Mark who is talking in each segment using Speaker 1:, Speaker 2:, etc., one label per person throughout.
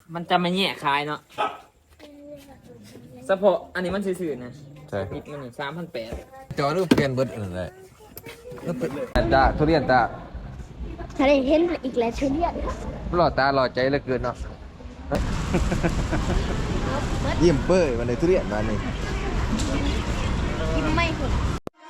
Speaker 1: มันจะไม่แย่คายเนาะเฉพาะอันนี้มันซื่อๆนะ
Speaker 2: ใช่
Speaker 1: ปิดมัน3,800
Speaker 2: จอรูปเปลี่ยนเบิดอะไรตาทุเรียนตา
Speaker 3: ถ้าได้เห็นอีกแล้วทุเรียน
Speaker 2: หล่อตาหล่อใจเหลือเกินเนาะยิ้มเป้ยวันไหนทุเรียนมาหนึ่ง
Speaker 3: กินไม่หมด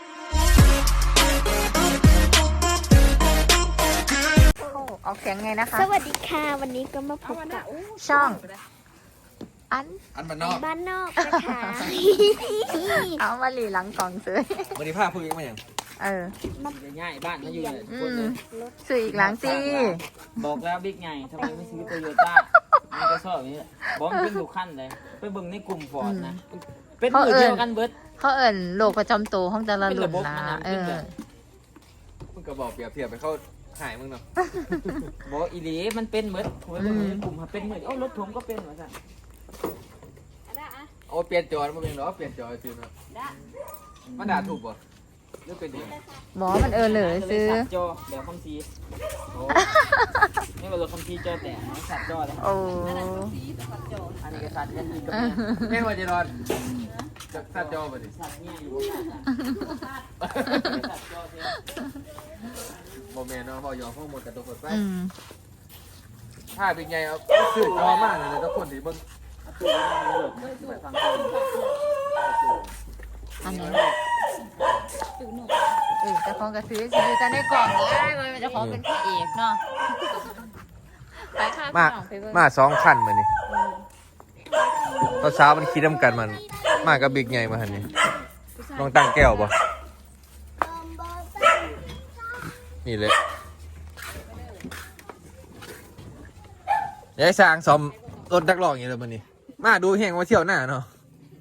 Speaker 4: ออกเสียงไงนะคะ
Speaker 3: สวัสดีค่ะวันนี้ก็มาพบกับ
Speaker 4: ช่องอัน
Speaker 2: มันนอก
Speaker 3: บ้านนอกนะคะ
Speaker 4: เอามาหลีหลังกล่องซื้อ
Speaker 2: วันนี้ผ้าพูดยังไงอย่าง
Speaker 1: ง่ายบ้านมาอยู่เลยทุกคนเลย
Speaker 4: ซื้ออีกหลังสิ
Speaker 1: บอกแล้วบิ๊กไงทำไมไม่ซื้อโตโยต้ามันก็ชอบอย่างนี้แหละบอกมันเป็นทุกขั้นเลยไปเบิ่งในกลุ่มฟอร์ดนะเป็นมือเดียวกันเบิร์ด
Speaker 4: เขาเอิ่นโรคประจำตัวของแต่ละรุ่นนะ
Speaker 2: มึงก็บอกเปรียบเทียบไปเข้าหายมึงเนาะ
Speaker 1: บอกอีหลีมันเป็นเบิร์ดผมไปเบิ่งในกลุ่มเป็นเหมือนรถผมก็เป็นเหมือนกัน
Speaker 2: โอ้เปลี่ยนจอมาเป็นหรอเปลี่ยนจอซื้อเนาะมันด่าถูกป่ะหรือเป็นยังไง
Speaker 4: หมอมันเลยซื้อ
Speaker 1: สับจอเดี๋ยวคำซีนี่เป็นรถคำซีจอแต่สับจอเลย
Speaker 4: โอ้
Speaker 1: อันนี้ก็สับกันอีกกับ
Speaker 2: แม่งว่าจะนอนจะซัดจอป่ะดิ
Speaker 1: สับเนี่ยอยู่สับจอเท่
Speaker 2: โมเมนต์เนาะพอยอมข้อมูลกับตัวคนไป
Speaker 4: Ừ.
Speaker 2: ถ้าเป็นไงเอาสื่อจอมากเลยทุกคนที่เบิ่ง
Speaker 4: อันนี้จะของกระซื้อซื้อแต่ในกล่องได้มันจะของเป็นพระเอกเนาะไปค่ะ
Speaker 2: มา2คันมานี่ตอนเช้ามันคิดน้ำกันมันมากับบิ๊กใหญ่มาหันนี่ลองตั้งแก้วป่ะนี่เลยยายสร้างซ่อมรถนักร้องอย่างเงี้ยเลยมันนี่มาดูแห่งมาเที่ยวหน้าเนาะ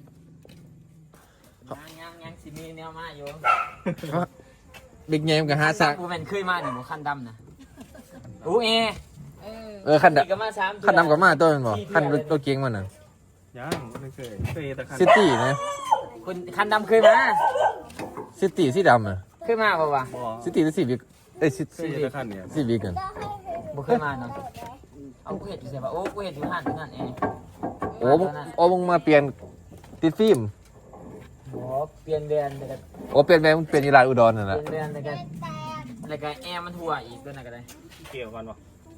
Speaker 1: ยังสิมีแนวมาอยู่
Speaker 2: บิ๊กใหญ่มันก็หาสร้าง
Speaker 1: กูเป็นเคยมาหนึ่งคันดำนะอูเอ
Speaker 2: คัน
Speaker 1: ก็มา3
Speaker 2: คันดำกับมาตัวมันบ่คันรถเก๋งมันน่ะ
Speaker 5: ยังไม่เคยแต่คัน
Speaker 2: ซิตี้นะ
Speaker 1: คุณคันดำเคยมา
Speaker 2: ซิตี้สีดำอ่ะ
Speaker 1: เคยมาป่าวะ
Speaker 5: บ่
Speaker 2: ซิตี้หรือซีวิกเอ้ย
Speaker 5: เคยแต่คันเนี่ย
Speaker 2: ซีวิกกัน
Speaker 1: บ่เคยมาเนาะเอากูเห็ดอยู่ใช่ปะโอ้กูเห็ดอยู่หันนั่นเอง
Speaker 2: โอ้มึงมาเปลี่ยนติดฟิล์ม
Speaker 1: โอ้เปลี่ยนเดือนแต่กัน
Speaker 2: โอ้เปลี่ยนแปลงมึงเปลี่ยนอีหลานอุดรนั่น
Speaker 1: เป
Speaker 2: แหละ
Speaker 1: ลี่ยนเดือนแต่กันอะไรกันแอร์มันทั่วอีกตัวนั้นก็ได้
Speaker 5: เกี่ยวกันวะ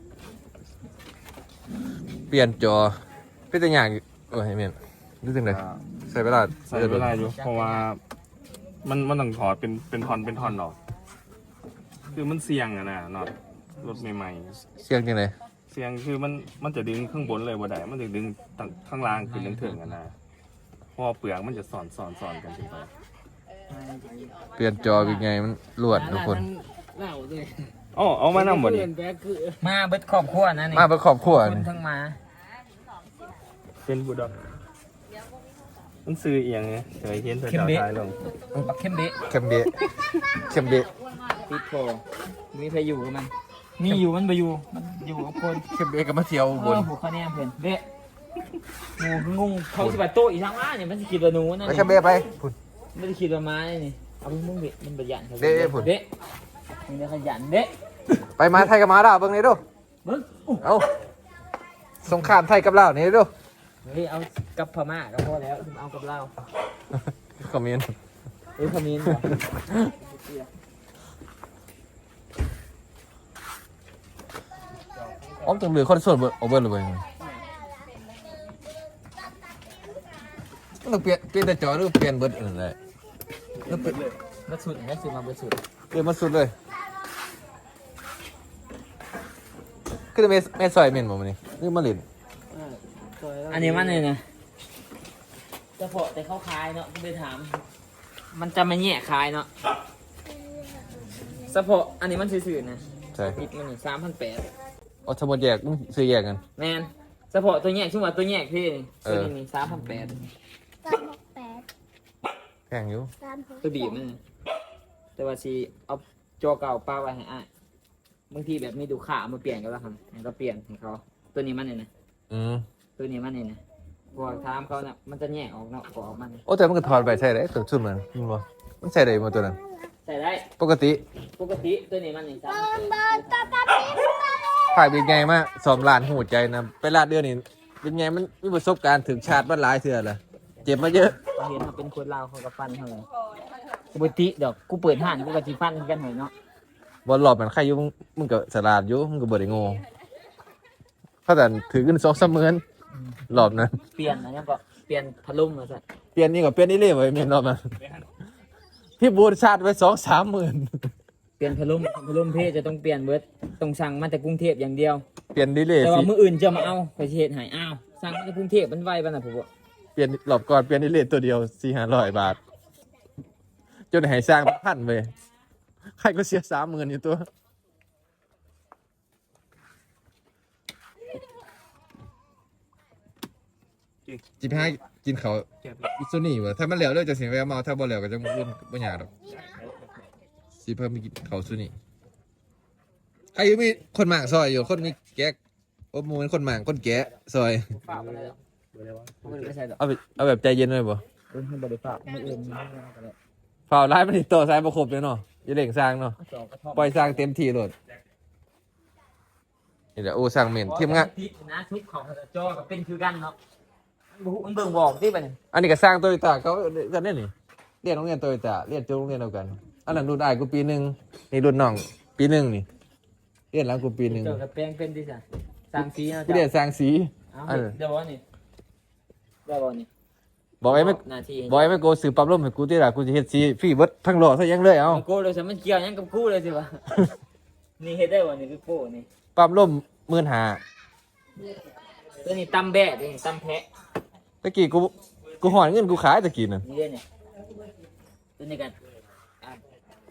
Speaker 2: เปลี่ยนจอเป็นตัวอย่างเออให้เมียนรู้สึกไงใส่เวลา
Speaker 5: ใส่เวลาอยู่เพราะว่ามันต้องถอดเป็นท่อนหรอกคือมันเสี่ยงอะนะน็อตรถใหม่
Speaker 2: เสียงจังได
Speaker 5: ๆเสี่ยงคือมันจะดึงข้างบนเลยบ่ได้มันจะดึงข้างล่างขึ้นถึงๆอะนะเพราะว่าเปลือกมันจะสอนกันขึ้นไป
Speaker 2: เปลี่ยนจอเป็นไงมันลวดทุกคน
Speaker 1: เล่าด้วย
Speaker 5: อ๋อเอามานำบ่ดิ
Speaker 1: มาเบิดครอบครัวนะนี่
Speaker 2: มาเป็นครอบครัว
Speaker 1: คน
Speaker 2: นี่
Speaker 1: ทั้งมา
Speaker 5: เป็นบุดอกมันซื้อเอียงไงเคยเห็นเธอจ่ายท้ายลง
Speaker 1: ปักเข้มเบะ
Speaker 2: เข้มเบะเข้มเบะ
Speaker 1: ปิดโผมีใครอยู่กับมันมีอยู่มันไปอยู่มันอยู่กับคน
Speaker 2: เข้มเบะก็มาเที่ยวบน
Speaker 1: หัวข้อแนมเพื่อนเบะงูเขาสิบโต๊ะอีกทางว่าเนี่ยมันสิคิดว่าหนูนั่น
Speaker 2: ไปเข้มเบะไปพุ่น
Speaker 1: ไม่ได้คิดว่าไม้นี่เอามึงเบะมันประหยัด
Speaker 2: เบะผุด
Speaker 1: เบะมึงจะขยันเบะ
Speaker 2: ไปมาไทยกับมาดาวเบิ่งนี่ดู
Speaker 1: เบิ้ง
Speaker 2: เอาสงครามไทยกับลาวนี่ดู
Speaker 1: เฮ้ยเอากับพม่าก็พอแล้วเอากับเรา
Speaker 2: คอมเมนต์
Speaker 1: คอมเมนต์
Speaker 2: อ๋อต้องเหลือคนส่วนเบอร์โอเวอร์เลยต้องเปลี่ยนแต่จอหรือเปลี่ยนเบิร์ดอะไรแล้วเปลี่ยน
Speaker 1: มาสุดก็คือมาเบิดสุด
Speaker 2: เปลี่ยนมาสุดเลยคือแม่ซอยเมนบ่มันนี่นี่มาเล่น
Speaker 1: อันนี้มันเลยนะจะพอแต่เขาคายเนาะไปถาม มันจะไม่แย่คายเนาะเฉพาะอันนี้มันซื่อๆนะ
Speaker 2: ใช่
Speaker 1: ปิดมัน3,800
Speaker 2: เอาทั้งหมดแยกมึงซื้อแยกกัน
Speaker 1: แมนเฉพาะตัวแยกช่วงว่าตัวแยกพี่นี่ตัวนี้3,800
Speaker 3: 368
Speaker 2: แพงอยู่
Speaker 1: ตัวบีบมันแต่ว่าชีเอาจอเก่าป้าไว้ให้อ่ะบางทีแบบมีดูขามาเปลี่ยนก็แล้วครับก็เปลี่ยนให้เขาตัวนี้มันเนี่ยนะ ตัวนี้มันเนี่ยนะพวกทามเขาเนี่ยมันจะแยกออกเนาะกออกมัน
Speaker 2: โอ้แต่มันก็ถอดไปใช่ได้ตัวชุดมันมันบ่มันใส่ได้บ่ตัวนั้น
Speaker 1: ใส่ได้
Speaker 2: ปกติ
Speaker 1: ปกติตัวนี้มันนี่จ้า
Speaker 2: ถ่ายเป็นไงมาซ้อมร้านหูใจนะไปลาดเดือนนี่เป็นไงมันมีประสบการณ์ถึงชาติมันหลายเทื่อละเจ็บมาเยอะ
Speaker 1: เขาเห็นเขาเป็นคนลาวเขาก็ฟันเขาเลยปกติดอกกูเปิดห้านกูก็สิฟันกันหน่อยเนาะ
Speaker 2: บอลหลอบมันใครอยู่มึงก็สลาดอยู่มึงก็บ่ได้โง่เขาแต่ถือขึ้น2-3 มื้อหลอบนั้น
Speaker 1: เปลี่ยนอันนี้ก็เปลี่ยนพัดลมมาซะ
Speaker 2: เปลี่ยนนี่ก็เปลี่ยนนี่เลยไว้เมียนรอบนั้นพี่บูนชาติไว้2-3 หมื่น
Speaker 1: เปลี่ยนพัดลมเพศจะต้องเปลี่ยนเบิดต้องสั่งมาจากกรุงเทพอย่างเดียว
Speaker 2: เปลี่ยนนี่เลย
Speaker 1: แต่
Speaker 2: สิ
Speaker 1: ว่ามื้ออื่นจะมาเอาไปสิเฮ็ดให้อ้าวสั่งมาจากกรุงเทพมันไวปานน่ะผมว่า
Speaker 2: เปลี่ยนหลอบก่อนเปลี่ยนนี่เลยตัวเดียว400-500 บาทจนให้สร้างพันไปใครก็เสีย30,000อยู่ตัวจิบให้กินเขาวอิซุนี่วะถ้ามันเหลวเลยจะเสียแววเมาถ้าบ่เหลวก็จะมุ่นบ่อยากดอกสิเพิ่มมีกินเขาวซุนี่ใครอยู่มีคนหมางซอยอยู่คนมีแก๊กโอ้มูเป็นคนหมางคนแกะซอย
Speaker 1: ฝากไปแล้วมันไม่ใช่ดอก
Speaker 2: เอาแบบใจเย็นหน่อยบ่
Speaker 1: เพิ่นบ่ได้ฝากมื้ออื่นมีเรื่องกันแล้ว
Speaker 2: ฝ่าวร้ายมันติดต่อสายบ่ครบเลยเนาะอย่าเล่งสร้างเนาะ
Speaker 1: สองกระท่อม
Speaker 2: ปล่อยสร้างเต็มที่โลดนี่แหละโอ้สร้างเหม็นทีมงาน
Speaker 1: ทิศนะทุกของจอก็เป็นคือกันเนาะมันเบิ่งบอกที่บัดนี้
Speaker 2: อันนี้ก็สร้างโตโยต้าเขากันเนี่ยนี่เรียนโรงเรียนโตโยต้าเรียนจบโรงเรียนเดียวกันอันนั้นรุ่นอ้ายกูปีหนึงนี่รุ่นน้องปีหนึงนี่เรียนหลังกูปีหนึง
Speaker 1: เจอกับแปลงเป็นดิซะสร้างสีเนาะ
Speaker 2: กูเรียนสร้างสี
Speaker 1: เอาเดี๋ยวบ่นี่เดี๋ยวบ่นี่
Speaker 2: บอกไอ้ไม่
Speaker 1: หน้าที่
Speaker 2: บอกไอ้ไม่โกสืบปั๊มลมให้กูที่ละกูจะเฮ็ดสีฟรีเบิดทั้งโลกซะยังเลยเอ้า
Speaker 1: โก้เลยสิมันเกี่ยวหยังกับกูเลยสิวะ นี่เฮ็ดได้บ่นี่คือโก้นี่
Speaker 2: ปั๊มลม15,000
Speaker 1: ตัวนี้ตำแบะนี่ตำแพะ
Speaker 2: ตะกี้กูหอนเงินกูขายตะกี้น่ะ
Speaker 1: นี่เด้เนี่ยตัวนี้กันอ่ะ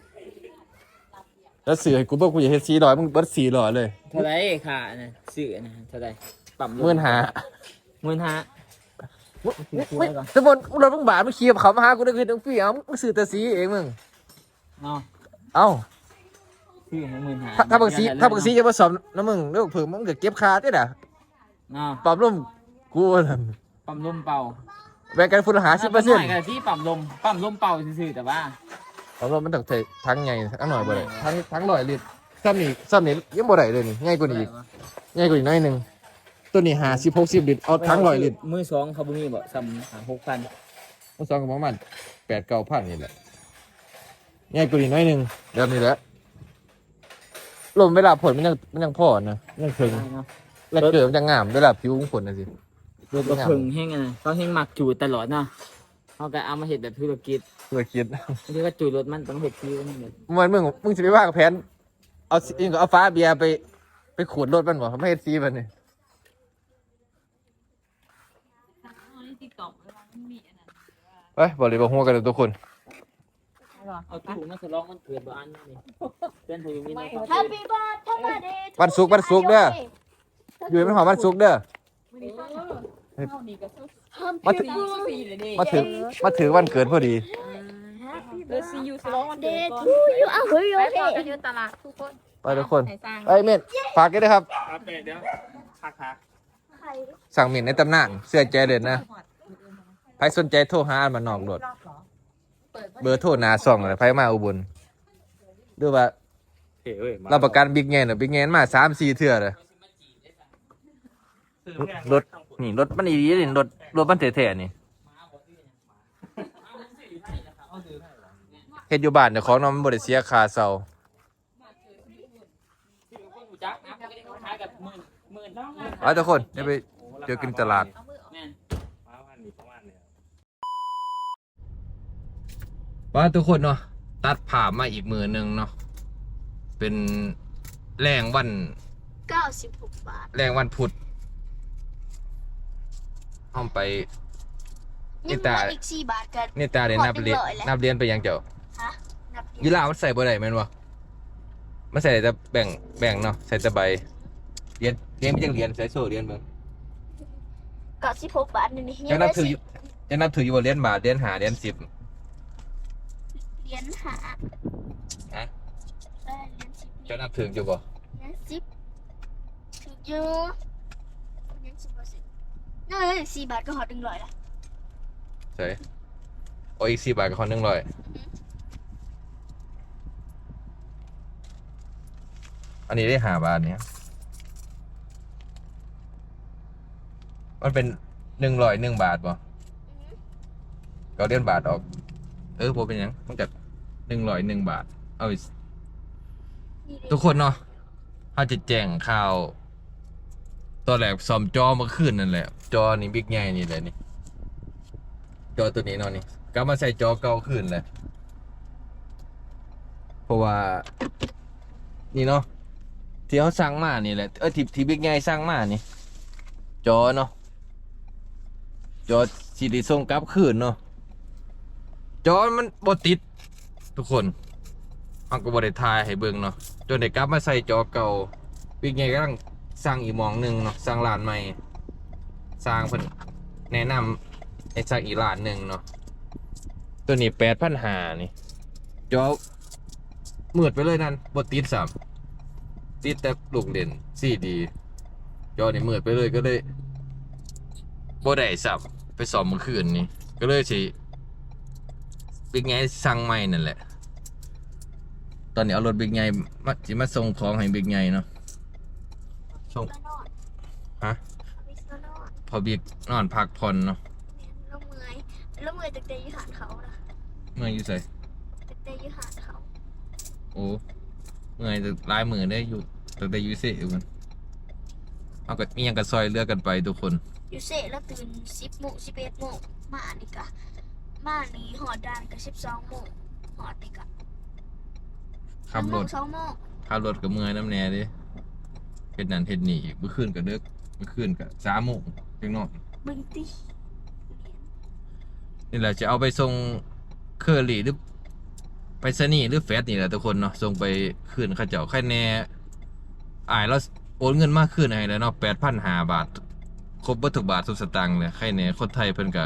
Speaker 2: แล้วซื้อให้กูบอกกูจะเฮ็ด400มึงเบิด400เลย
Speaker 1: เท่าไหร่ค่าน่ะซื้อนะเท่าไหร่ปั๊ม
Speaker 2: 15,000
Speaker 1: 15,000
Speaker 2: สมมุติรถมึงบาทมึงขี่กับเขามาหากูได้คือต้องฟรีเอามึงซื้อแต่สีเองมึง
Speaker 1: เนาะ
Speaker 2: เอ้า
Speaker 1: ซื้อให้15,000
Speaker 2: ถ้าบางสีจะมาสอบน้ำมึงเรื่องเพิ่มมึงก็เก็บค่าติด่ะ
Speaker 1: เนาะ
Speaker 2: ปั๊มลมกูนั่น
Speaker 1: ปั๊มลมเป่า
Speaker 2: แบ่งกันฝุ่นหา
Speaker 1: 10%
Speaker 2: 10%
Speaker 1: กันที่ปั๊มลมเป่าซื่อๆแต่ว่า
Speaker 2: ปั๊มลมมันต้องใช้ทั้งใหญ่ทั้งหน่อยบ่ได้ทั้ง100 ลิตรซ้ำนี่ยังบ่ได้เลยนี่ง่ายกว่านี้อีกง่ายกว่านี้หน่อยหนึงตัวนี้50-60 ลิตรเอาทั้ง100 ลิตร
Speaker 1: มือสองเขาบ่มีบ่ซ้ำ6,000
Speaker 2: มัน2ก็ประมาณ8-9,000นี่แหละง่ายกว่านี้หน่อยหนึงแบบนี้แหละลมเวลาผลมันยังพอนะยังถึง
Speaker 1: เนาะ
Speaker 2: แล้วเกิดมันจะงามเวลาผิวของคนน่ะสิ
Speaker 1: รถกระเพึงแห้งอ่ะเขาแห้งหมักจูดตลอดเนาะเขาก็เอามาเห็ดแบบธุรกิจ
Speaker 2: ธุรกิจ
Speaker 1: บางทีก็จูดรถมันต้องเห็ดคิวนี่เลย
Speaker 2: มึงสิไปว่ากับแผนเอาฟ้าเบียร์ไปขูดรถมันบ่ไม่เฮ็ดซีมันนี่ไปบอกเลยบอกหัวกันเลยทุกคน
Speaker 1: เอาตู้มาฉลองมันเกิดบ้านนี่เป็นพยุงนี่นะ
Speaker 3: Happy birthday
Speaker 2: วันศุกร์เด้ออยู่ให้มันหอมวันศุกร์เด้อมาถึงวันเกิดพอดี
Speaker 4: ซียูสลองวันเกิด
Speaker 3: Day
Speaker 4: ก่อน
Speaker 3: to you อ้าวเฮ้ย
Speaker 4: ไป
Speaker 3: เฮ้
Speaker 4: ต่อย กันอยู่ตลาดทุกคน
Speaker 2: ไปทุกคน
Speaker 4: ให้สร้าง
Speaker 2: ไปเม่นฝากกันด้วยครับ
Speaker 5: ครับเดี๋ยวพัก
Speaker 2: สั่งเม่นในตำนานเสื้อใจเด่นนะใครสนใจโทรหาอันมานนอกโดดเบอร์โทรหนาส่องเลยไฟมาอุบลดูว่า
Speaker 5: เอ้ย
Speaker 2: รับประกันบิ๊กแงนบิ๊กแงนมา3-4 เทื่อเลยรถนี่รถมันดีนี่รถมันแท้ๆนี่เฮ็ดอยู่บ้านเดี๋ยวของน้องมันบ่ได้เสียค่าเช่าเอาทุกคนเดี๋ยวไปเจอกันตลาดว่าทุกคนเนาะตัดผ่ามาอีกมือหนึงเนาะเป็นแรงวัน
Speaker 3: 96 บาท
Speaker 2: แรงวันพุธห้องไป
Speaker 3: ยังเหลืออีก4 บาทกัน
Speaker 2: นี่ตาเรียนนับเรียน
Speaker 3: พอ100แล้ว
Speaker 2: นับเรียนไปยังเจ้า
Speaker 3: ฮะนับ
Speaker 2: ยีราฟมันใส่บ่ได้แม่นบ่มันใส่แต่แบ่งเนาะใส่แต่ใบเรียนไม่จังเรียนใส่โซ่เรียนเบิ่ง
Speaker 3: 96 บาทนี่นี่
Speaker 2: จังนับถืออยู่บ่เรียนบาทเรียน5เรียน10
Speaker 3: เหรียญหา
Speaker 2: ฮะ
Speaker 3: เหรียญ10
Speaker 2: จังนับถืออยู่บ่
Speaker 3: เหรียญ10ถูกอยู่เหรียญ10บ่สินั่น4 บาทก็หอ100ละ
Speaker 2: ใส่โอ้อีก4 บาทกับคน100อันนี้ได้5 บาทเนี่ยมันเป็น101 บาทป่ะก็เดือนบาทออกผมเป็นหยังมันกับ101 บาทเอาอีก
Speaker 3: นี่เด้
Speaker 2: ทุกคนเนาะเขาจะแจ้งข่าวตอนแรกซ่อมจอเมื่อคืนนั่นแหละ จอนี่บิ๊กใหญ่นี่เลยนี่ จอตัวนี้เนาะนี่กลับมาใส่จอเก่าขึ้นเลยเพราะว่า นี่เนาะที่เขาสั่งมานี่แหละที่บิ๊กใหญ่สั่งมานี่ จอเนาะจอสีได้ส่งกลับคืนเนาะจอมันบ่ติด ทุกคนมันก็บ่ได้ถ่ายให้เบิ่งเนาะจนได้กลับมาใส่จอเก่าบิ๊กใหญ่กำลังสั่งอีกหมองหนึงเนาะสั่งร้านใหม่สร้างเพิ่นแนะนำให้สั่งอีกร้านหนึงเนาะตัวนี้8,500นี่จอมืดไปเลยนั่นบ่ติดซ้ำติดแต่ลูกเล่นCDจอนี่มืดไปเลยก็เลยบ่ได้ซ้ำไปซ่อมเมื่อคืนนี่ก็เลยสิบิ๊กใหญ่สั่งใหม่นั่นแหละตอนนี้เอารถบิ๊กใหญ่มาส่งของให้บิ๊กใหญ่เนาะส่ง
Speaker 3: แล้วนอน
Speaker 2: ฮะ
Speaker 3: เอาไปแล้วนอน
Speaker 2: พอบิ๊กนอนพักผ่อนเนาะ
Speaker 3: แล้วเมื่อยแล้วเมื่อยตั้งแต่อยู่หาดเขานะ
Speaker 2: เมื่อยอยู่ใส่
Speaker 3: ตั้งแต่อยู่หาดเขา
Speaker 2: โอ้เมื่อยแต่หลายมือได้อยู่แต่อยู่เซ่มันเอาก็มีหยังก็ซอยเลือกกันไปทุกคน
Speaker 3: อยู่เสร็จแล้วตื่น10 โมง 11 โมงมานี่กะมานี่หอดด่านกะ12 โมงหอดนี่กะ
Speaker 2: ขับรถ
Speaker 3: 2 โมง
Speaker 2: ขับรถกับเมื่อยน้ำแน่ดิเฮ็ดนั่นเฮ็ดนี่อีกเมื่อคืนก็เลิกเมื่อคืนก็3 โมงจังนอน
Speaker 3: บึงติ
Speaker 2: นี่แหละจะเอาไปส่งเคอรี่หรือไปสนีย์หรือแฟดนี่แหละทุกคนเนาะส่งไปคืนเขาเจ้าใครแน่แล้วโอนเงินมากขึ้นให้แล้วเนาะ8,500 บาทครบเบิดทุกบาททุกสตางค์เลยใครแน่คนไทยเพิ่นก็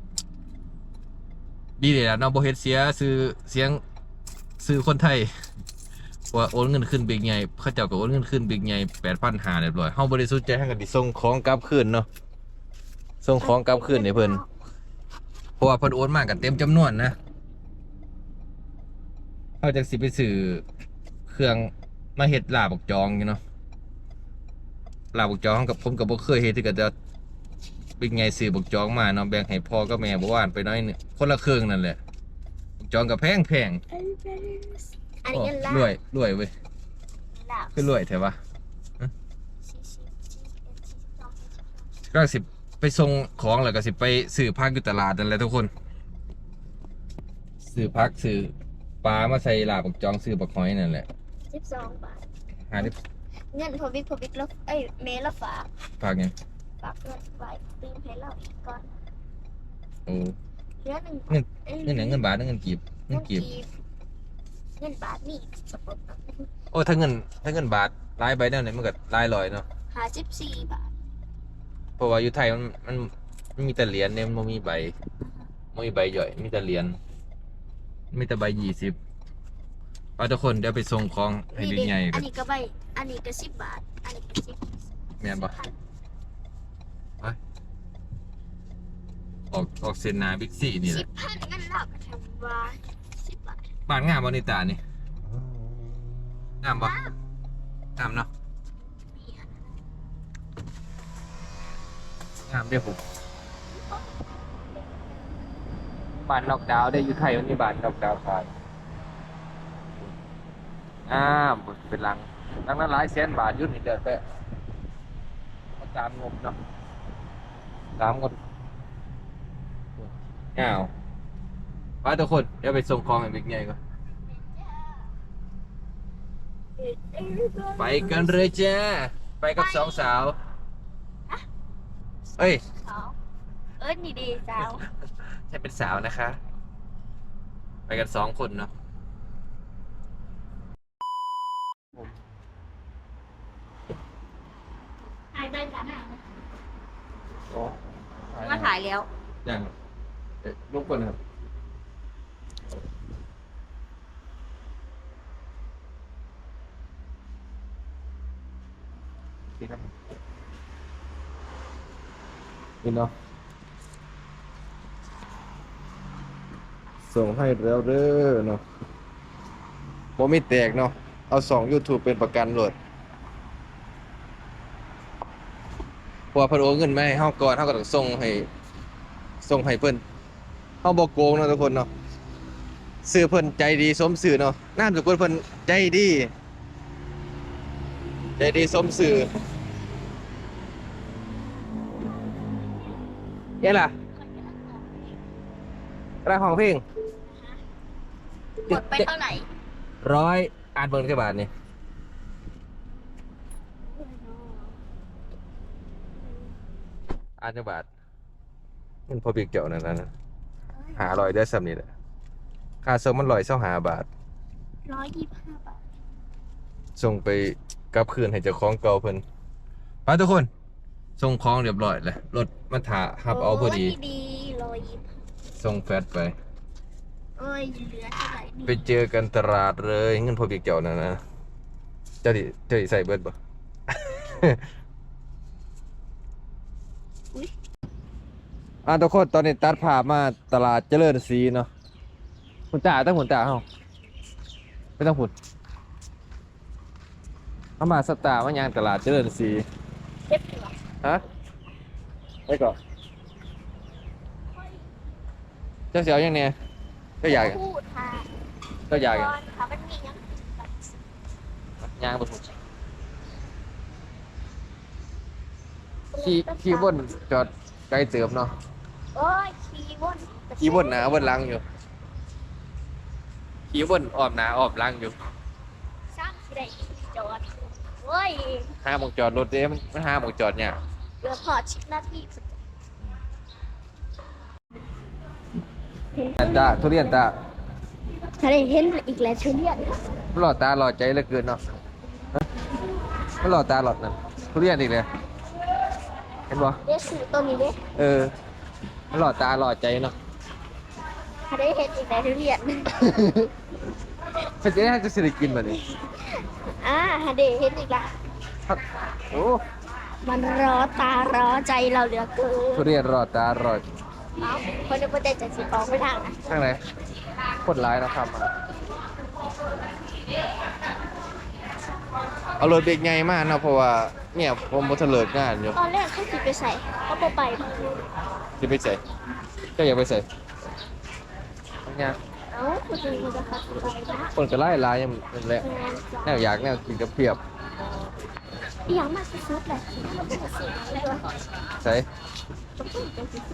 Speaker 2: ดีเลยล่ะเนาะบ่เฮ็ดเสียซื้อคนไทยว่าโอนเงินขึ้นบิ๊กใหญ่เขาเจ้าก็โอนเงินขึ้นบิ๊กใหญ่8,500เรียบร้อยเฮาบริสุทธิ์ใจให้กันดิส่งของกลับคืนเนาะส่งของกลับคืนให้เพิ่นเพราะว่าเพิ่นโอนมากันเต็มจำนวนนะเฮาจังสิไปซื้อเครื่องมาเฮ็ดลาบกจองอยู่เนาะลาบกจองกับผมก็บ่เคยเฮ็ดคือกันแต่บิ๊กใหญ่ซื้อบักจองมาเนาะแบ่งให้พ่อกับแม่บ่ว่านไปน้อยนึงคนละครึ่งนั่นแหละบักจองก็แพง
Speaker 3: อันนี้เงินลา
Speaker 2: รวยเว้ย
Speaker 3: ลาบ
Speaker 2: คือรวยแท้วะ
Speaker 3: 40
Speaker 2: ก็สิไปส่งของแล้วก็สิไปซื้อผักอยู่ตลาดนั่นแหละทุกคนซื้อผักซื้อปลามาใส่ลาบบักจองซื้อบักหอยนั่นแหละ
Speaker 3: 12 บาท
Speaker 2: หาได้
Speaker 3: เงินพอบิ๊กแล้วเมย์ละฝาก
Speaker 2: ฝากหยัง
Speaker 3: ฝากเงินไว้ตื่นให้เราอีกก่อน
Speaker 2: โอ้
Speaker 3: เหลือหนึ่ง
Speaker 2: เงิน เงินหยังเงินบาทหรือเงินกีบเงินกีบ
Speaker 3: เงินบาทนี่สปอร์ต
Speaker 2: โอ้ถ้าเงินบาทหลายใบแนวไหนมันก็หลายร้อยเนาะ
Speaker 3: 54 บาท
Speaker 2: เพราะว่าอยู่ไทยมันมีแต่เหรียญเนี่ยมันบ่มีใบบ่มีใบย่อยมีแต่เหรียญมีแต่ใบ20เอาทุกคนเดี๋ยวไปส่งของให้บิ๊กใหญ่
Speaker 3: อั
Speaker 2: กัน น
Speaker 3: นี้ก็ใบอันนี้ก็10 บาท อันนี้ก็10
Speaker 2: แม่นบ่ ออกเส้นหนาบิ๊กซีนี่แหละ
Speaker 3: 10,000เงินลาบแถมว่า10 บาท
Speaker 2: บ้านงามบ่นี่ตานี่งามบ่งามเนาะงามเด้อผมบ้านนอกดาวได้อยู่ไทยมันมีบ้านนอกดาวขายเป็นหลังนั้นหลายแสนบาทอยุ่นี่เดือนไปเอาตามงบเนาะตามงบอ้าวไปทุกคนเดี๋ยวไปส่งของให้บิ๊กใหญ่ก่อนไปกันเลยจ้าไปกับสองสาวเอ้ย
Speaker 3: สาวนี่ดีสาว
Speaker 2: ใช่เป็นสาวนะคะ ไปกัน2 คนเนาะ
Speaker 3: ถ่ายได้กัน
Speaker 4: มาถ่ายแล้ว
Speaker 2: อย่างลูกคนครับนี่เนาะส่งให้แล้วเด้อเนาะโมมีแตกเนาะเอา2 YouTube เป็นประกันโหลดพอเพิ่นโอนเงินมาให้เฮาก่อนเฮาก็ต้องส่งให้เพิ่นเฮาบ่โกงเนาะทุกคนเนาะชื่อเพิ่นใจดีสมชื่อเนาะนามสกุลเพิ่นใจดีสมชื่อเอ๊ะล่ะร้านของเพลง
Speaker 3: หมดไปเท่าไหร่
Speaker 2: 100อ่านเบิ่งจักบาทนี่อ่านจักบาทมันพอเปียกเกี่ยวนั่นน่ะ500ได้ซ้ำนี่แหละค่าส่งมัน125บาท
Speaker 3: 125 บาท
Speaker 2: ส่งไปกลับคืนให้เจ้าของเก่าเพิ่นไปทุกคนส่งของเรียบร้อยแล้วรถมันถ่าหับเอาพอดี
Speaker 3: ดี125
Speaker 2: ส่งแฟตไป
Speaker 3: เอ้ยเหลือเท่าไหร่นี่
Speaker 2: ไปเจอกันตลาดเลยเงินพอเปียกเกี่ยวนั่นนะเจ้าดิใส่เบิดบ่ ทุกคนตอนนี้ตัดภาพมาตลาดเจริญศรีเนาะหุ่นตาตั้งหุ่นตาเฮาไม่ต้องหุ่นเอามาสตาร์มายังตลาดเจริญศรี
Speaker 3: เก็บเหลือ
Speaker 2: ฮะไปก่อนเจ้าเสียวยังเนี่ยเจ้าอยาก
Speaker 3: พูดค่ะ
Speaker 2: เจ้าอยาก
Speaker 3: ก่อนค่ะมันมียัง
Speaker 2: ยางบนหุ่นขี่บนจอดไกลเติมเนาะ
Speaker 3: โอ้ยขี่วน
Speaker 2: ขี่บนหนาบนหลังอยู่ขี่บนอ้อมหนาอ้อมหลังอยู่
Speaker 3: ซ้ำที่ได้จอดโอ้ย
Speaker 2: ห้าโมงจอดรถเด้มันห้าโมงจอดเนี่ย
Speaker 3: เหลือพอ10 นาที
Speaker 2: ตาทุเรียนตา
Speaker 3: ถ้าได้เห็นอีกแล้วทุเรียน
Speaker 2: มันหล่อตาหล่อใจเหลือเกินเนาะฮะมันหล่อตาหล่อนั่นทุเรียนอีกเลยเห็นบ่
Speaker 3: เด้สูตัวนี้เด้
Speaker 2: เออมันหล่อตาหล่อใจเนาะ
Speaker 3: ถ้าได้เห็นอีกแล้วทุเรียน
Speaker 2: เป็นจะได้จะสิได้กินแบบนี้
Speaker 3: ถ้าได้เห็นอีกแล้ว
Speaker 2: โอ้
Speaker 3: มันรอตารอใจเราเหลือเกิน
Speaker 2: ทุเรียนหล่อตาหล่อ
Speaker 3: เอ้าคนนึกว่าใจจะสีฟองไม่ทางนะ
Speaker 2: ข้างไหนคนร้ายนะครับเอารถเบรกไงมากเนาะเพราะว่าเนี่ยผมบ่ทันเลิกงานอยู่
Speaker 3: ตอนแรกเขาสิไปใส่เขาบ่ไป
Speaker 2: สิไปใส่เจ้าอยากไปใส่เนี่ย
Speaker 3: เอ้าคุณจะมีราคาไปนะ
Speaker 2: คนก็ไล่ลายยังนั่นแหละแนวอยากแนวกินกับเพียบ
Speaker 3: อีหยังมาสุดๆแหละมันจะเสียอะไรวะ
Speaker 2: ใส่
Speaker 3: ต้องพูดเป็นสิ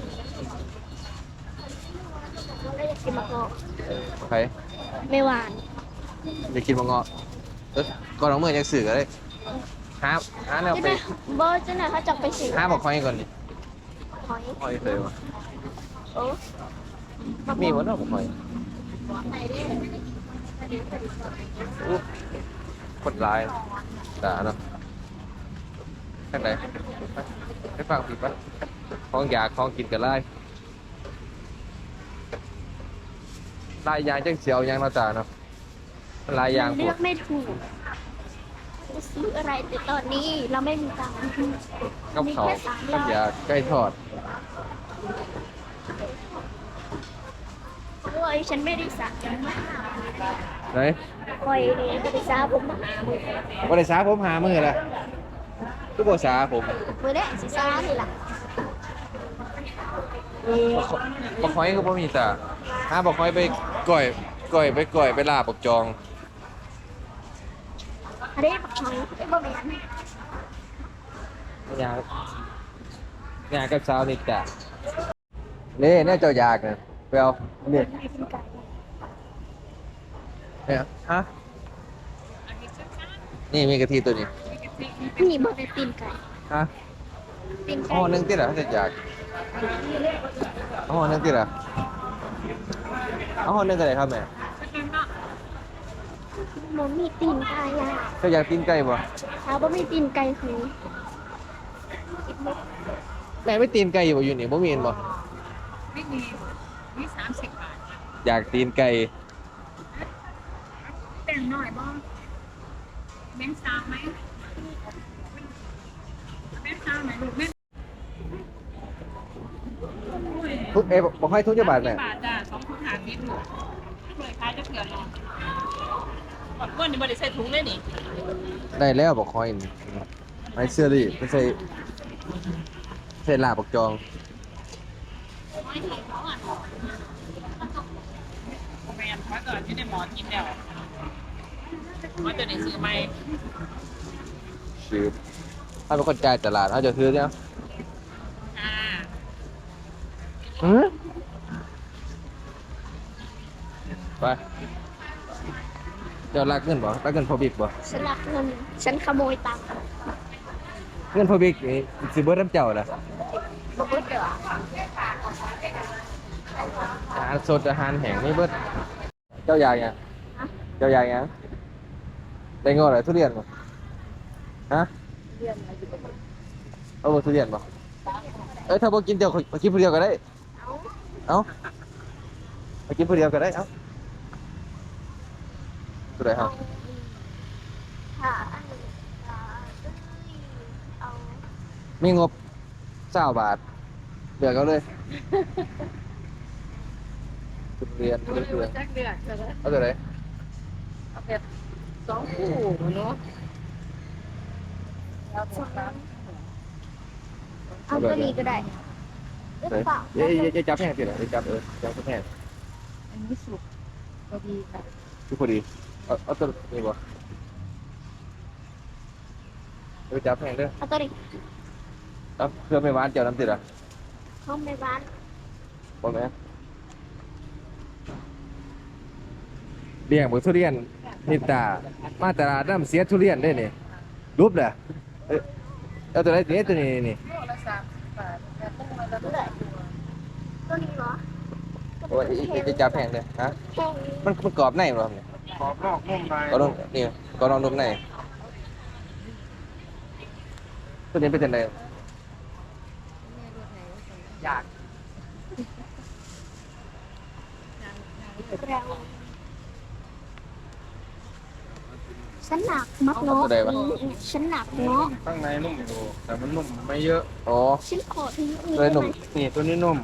Speaker 3: เราได้อยากกินมะกอก
Speaker 2: ใคร
Speaker 3: ไม่หวาน
Speaker 2: อยากกินมะเงาะก่อนน้องเมื่อยังสื่อก็ได้หาแนว
Speaker 3: จะ
Speaker 2: ไป
Speaker 3: ได้เบอร์จะไหนเขาจะไปสิ
Speaker 2: หาบอกคอยก่อนดิ
Speaker 3: หอย
Speaker 2: คอยเลยวะ
Speaker 3: โอ้
Speaker 2: มีวันนอกบอกคอยอู้คนร้ายด่าเนาะข้างไหนไปฟังผิดปะของอยากของกินกันไล่ลายยางจังเสียวยางเราจ่าเนาะลายยางป
Speaker 3: เลื
Speaker 2: ว
Speaker 3: อ
Speaker 2: ด
Speaker 3: กไม่ถูกจะซื้ออะไรแต่ตอนนี้เราไม่มีตังค์
Speaker 2: กับ
Speaker 3: มี
Speaker 2: เขา
Speaker 3: แค่300
Speaker 2: กับยาใกล้ทอด
Speaker 3: โอ้ยฉันไม่ได้สั่งมาก
Speaker 2: ไหน
Speaker 3: คอยบริษัทผมมา
Speaker 2: วันไหนสาผมหามือละทุกบสาผม
Speaker 3: เมื่อได้สิซ่านี่ล่ะ
Speaker 2: บักหอยก็บ่มีแต่หาบักหอยไปก่อยไปลาบบักจอง
Speaker 3: อันนี้ปักหอยบ่แม่น
Speaker 2: ยากับสาวนี่แต่นี่เนี่ยเจ้าอยากนะไปเอาเนี่ย
Speaker 3: ไม่เป็นไก่
Speaker 2: เนี่ยฮะนี่มีกะทิตัวนี้
Speaker 3: นี่บ่ได้ตีนไก่
Speaker 2: ฮะ
Speaker 3: ตีน
Speaker 2: เอา
Speaker 3: ไก่
Speaker 2: ห่อหนึงติล่ะถ้าจะอยากเอาห่อหนึงติล่ะเอาห่อหนึงก็ได้ครับแม่
Speaker 3: บ่มีตีนไก่อ่ะ
Speaker 2: เจ้าอยากกินไก่บ่
Speaker 3: ถ้าบ่มีตีนไก่คือ
Speaker 2: แม่ไม่ตีนไก่อยู่บ่อยู่นี่บ่มีเห็นบ่
Speaker 4: ไม่มีมี30 บาท
Speaker 2: อยากตีนไก่
Speaker 4: แต่งหน่อยบ้างแบงค์ซามไหมแบงค์ซามไหมลูกแม่
Speaker 2: ทุกบอกให้ทุกจังหวัดแม่
Speaker 4: บาทจ้ะ2 ถุง50ลูกเคยขายจะเกลือลองก่อนก้นนี่บ่ได้ใส่ถุงเลยนี่
Speaker 2: ได้แล้วบอกคอยนี่ไอเสื้อดิไม่ใช่เส้นลาบบักจอง
Speaker 1: แมนมาก่อนที่ได้หมอกินแล้วมาตัวนี้ซื้อไหม
Speaker 2: ซื้อถ้าเป็นคนจ่ายตลาดเขาจะซื้อเนี่ย
Speaker 1: อ่า
Speaker 2: ไปเจ้ารักเงินบ่รักเงินพอบิ๊กบ่
Speaker 3: ฉันรักเงินฉันขโมยตังค์
Speaker 2: เงินพอบิ๊กนี่สิเบิดน้ำเจ้าล่ะ
Speaker 3: บอกว่าเดี๋ยว
Speaker 2: อาหารสดอาหารแห้งนี่เบิดเจ้าอยากหยังเจ้าอยากหยังได้งอหรือทุเรียนบ่ฮะเอาบ่ทุเรียนบ่ถ้าบ่กินเดี๋ยวขอกินผู้เดียวก็ได้เอ้าไปกินผู้เดียวก็ได้เอ้าตัวไหนครับ
Speaker 3: ค่ะอันนี้เอา
Speaker 2: มีงบ20 บาทเลือกเอาเลยทุเรียนทุเรียน
Speaker 4: จักเดือดเลย
Speaker 2: เอาตัวไหน
Speaker 4: เอาแบบ2คู่เนาะแล้วสอง
Speaker 3: เอาตัวนี้ก็ได้หรือเปล่า
Speaker 2: อย่าจับแห้งสิล่ะอย่าจับจับแห้ง
Speaker 4: อันนี้สุกพอดีค่ะ
Speaker 2: คือพอดีเอาตัวนี้บ่จับแห้งเด้อ
Speaker 3: เอาตัวนี้
Speaker 2: เอาเพื่อไม่หวานเจ้าน้ำติดอ่ะ
Speaker 3: เข้าในบ้าน
Speaker 2: บ่แม่นเลี้ยงบ่ทุเรียนนิตามาตลาดน้ำเสียทุเรียนได้นี่รูปเด้อเอาตัวไหนตัวนี้นี่
Speaker 4: โลละ30 บาทแต่ต้องมาละ
Speaker 3: ตัวไหนตัวนี้เหรอ
Speaker 2: โอ้ยจะจับแห้งเด้อฮะ
Speaker 3: แค่นี้
Speaker 2: มันกรอบในบ่ครับเนี่ย
Speaker 5: ขอบนอกนุ่มใน
Speaker 2: ก็ลองนี่ก็ลองนุ่มในตัวนี้เป็นจังได๋
Speaker 1: อยาก
Speaker 3: เราฉันหนักมักเนาะฉันหนักเนาะ
Speaker 5: ข้างในนุ่มอยู่แต่มันนุ่มไม่เยอะ
Speaker 2: อ๋อ
Speaker 3: ฉันขอทิ้งนี้
Speaker 2: ตัว
Speaker 3: ได้
Speaker 2: นุ่ม
Speaker 3: ไหม
Speaker 5: นี่ตัวนี้นุ่ม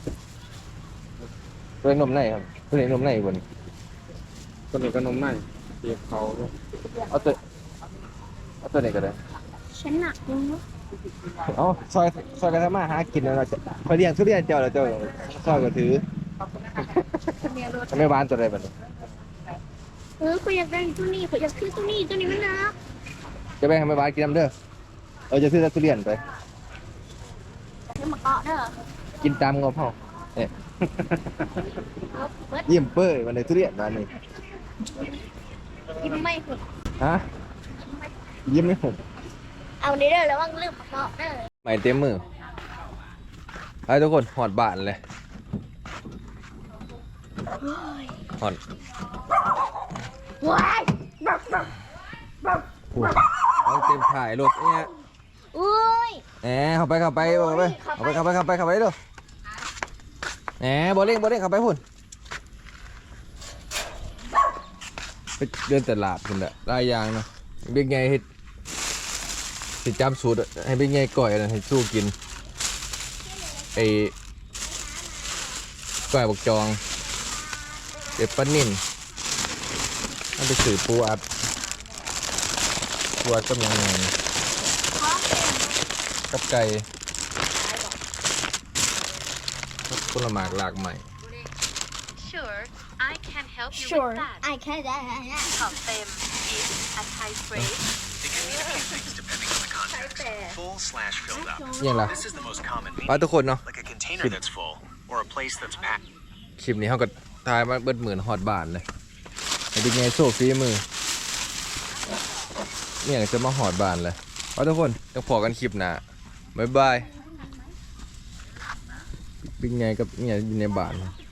Speaker 2: ตัวนุ่มในครับตัวนี้นุ่มในบ่นี่
Speaker 5: ตัวนี้ก็นุ่มในเปียกเขาด้วย
Speaker 2: เอาตัวนี้ก็ได้
Speaker 3: ฉันหนักเนาะ
Speaker 2: เอาซอยกันทำมาหากินแล้วเราจะคอยเลี้ยงทุเรียนเจ้าแล้วเจ้าซอยก็ถือทำไมบ้านตัวใดบัดนี้
Speaker 3: คุยอยากได้ตัวนี้คุยอยากซื้อตัวนี้มันหนัก
Speaker 2: จะไปทำไมบ้านกินน้ำเด้อจะซื้อแต่ทุเรียนไป
Speaker 3: ให้มาเกาะเด้อ
Speaker 2: กินตามงบเฮาเนี่ย
Speaker 3: เอาเบิด
Speaker 2: ยิ้มเป้ยวันนี้ทุเรียนบ้านนี้
Speaker 3: ยิ้มไม่หุด
Speaker 2: ฮะยิ้มไม่หุบ
Speaker 3: เอานี้เด้อแล้วว่างลืมมาเกาะเด้อ
Speaker 2: ใหม่เต็มมือไอ้ทุกคนหอดบ้านเลยหอด
Speaker 3: ว้าย
Speaker 2: เอาเต็มถ่ายรถเนี่ย
Speaker 3: อุ้ย
Speaker 2: แหมเข้าไปดูแหมบ่เร่งเข้าไปพุ่นไปเดินตลาดพุ่นแหละหลายอย่างเนาะเบิ๊กไงเฮ็ดสิจำสูตรให้เบิ๊กไงก่อยนะให้สู้กินไอ้ก่อยบักจองเด็ดปลานิ่นมันไปสื่อปูอัดก็ยังไงกับไก่ผลไม้หลากใหม่
Speaker 6: Sure, I can help you
Speaker 3: sure
Speaker 6: with that.
Speaker 3: I can that
Speaker 6: คำเต็ม is a Thai phrase.
Speaker 7: It can mean a few things depending on the context. Full/filled up.
Speaker 2: ยังล่ะ
Speaker 7: This is the most common
Speaker 2: ไป
Speaker 7: meaning,
Speaker 2: ทุกคนเนาะ
Speaker 7: like a container that's full or a place that's packed.
Speaker 2: คลิปนี้เขาก็ทายมาเบิดหมื่นฮอดบานเลยไอ้เป็นไงโซ่ฟีมือเนี่ยจะมาฮอดบานเลยไปทุกคนจะพอกันคลิปหน้าบ๊ายบายเป็นไงกับเนี่ยอยู่ในบ้าน